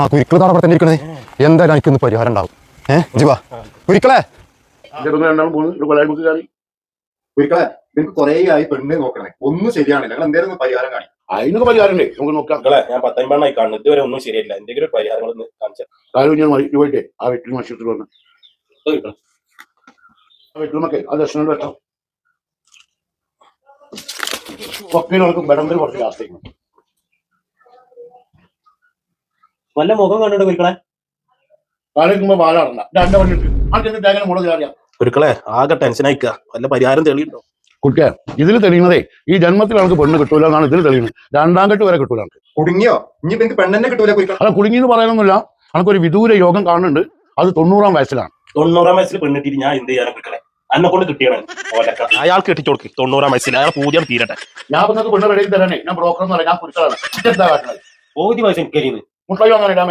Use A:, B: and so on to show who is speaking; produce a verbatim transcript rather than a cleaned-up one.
A: ആ കുരുക്കൾ താടെ അവിടെ തന്നെ ഇരിക്കണേ. എന്തായാലും എനിക്കൊന്ന് പരിഹാരം ഉണ്ടാവും. ഏഹ് ജിവാ കുരുക്കളെ കുരുക്കളെ നിനക്ക് കൊറേ ആയി പെണ്ണ് നോക്കണേ, ഒന്നും ശരിയാണില്ല. നിങ്ങൾ എന്തേലും പരിഹാരം കാണിക്കും.
B: അതിനൊക്കെ പരിഹാരമുണ്ടേ, നമുക്ക് നോക്കാം.
C: ഞാൻ പത്തൊൻപതെണ്ണായി കാണുന്നു, ഇതുവരെ ഒന്നും ശരിയല്ല. എന്തെങ്കിലും ഒരു പരിഹാരങ്ങളൊന്ന് കാണിച്ചാൽ
B: കാര്യം ഞാൻ പോയിട്ടേ ആ വീട്ടിൽ മത്സരത്തിൽ വന്ന് ആ വീട്ടിലുമൊക്കെ ആ ദർശനം വെക്കാം. ഒക്കെ നമുക്ക് ബടമ്പൽ കുറച്ച് ലാസ്റ്റേക്ക്
C: വല്ല മുഖം കണ്ടിട്ട് കുരുക്കളെ
B: കാലിക്കുമ്പോ പാലാടണ്ട രണ്ട് പണിയിട്ട് ആൾക്കെന്ത് തേങ്ങനെ മുളക് അറിയാം.
C: കുരുക്കളെ ആകെ ടെൻഷൻ അയക്കുക, വല്ല പരിഹാരം തെളിയുണ്ടോ?
B: കുട്ടിയെ ഇതിൽ തെളിയുന്നതേ ഈ ജന്മത്തിൽ നമുക്ക് പെണ്ണ് കിട്ടൂല എന്നാണ് ഇതിൽ തെളിയുന്നത്. രണ്ടാം കെട്ട് വരെ കിട്ടൂല.
A: കുടുങ്ങിയോ? ഇനി എനിക്ക് പെണ്ണെന്നെ കിട്ടൂല കുരുക്കളെ.
B: അല്ല കുടുങ്ങി എന്ന് പറയാനൊന്നുമില്ല. നമുക്കൊരു വിദൂര യോഗം കാണുന്നുണ്ട്. അത് തൊണ്ണൂറാം വയസ്സിലാണ്.
C: തൊണ്ണൂറാം വയസ്സിൽ പെണ്ണിട്ടിട്ട് ഞാൻ എന്ത് ചെയ്യാനും കുരുക്കളെ? എന്നെ കൊണ്ട് കിട്ടിയാണ് അയാൾക്ക് കെട്ടിച്ചു കൊടുക്ക്. തൊണ്ണൂറാം വയസ്സിൽ അയാൾ പൂജ്യം തീരട്ടെ.
B: ഞാൻ നിങ്ങൾക്ക് പെണ്ണ് റെഡി തരാനേ ഞാൻ ബ്രോക്കർ എന്ന് പറയാം. ഞാൻ കുറിച്ചാണ്
C: പൂജ്യം വയസ്സ് എനിക്ക്
B: മുട്ടായി വാങ്ങാൻ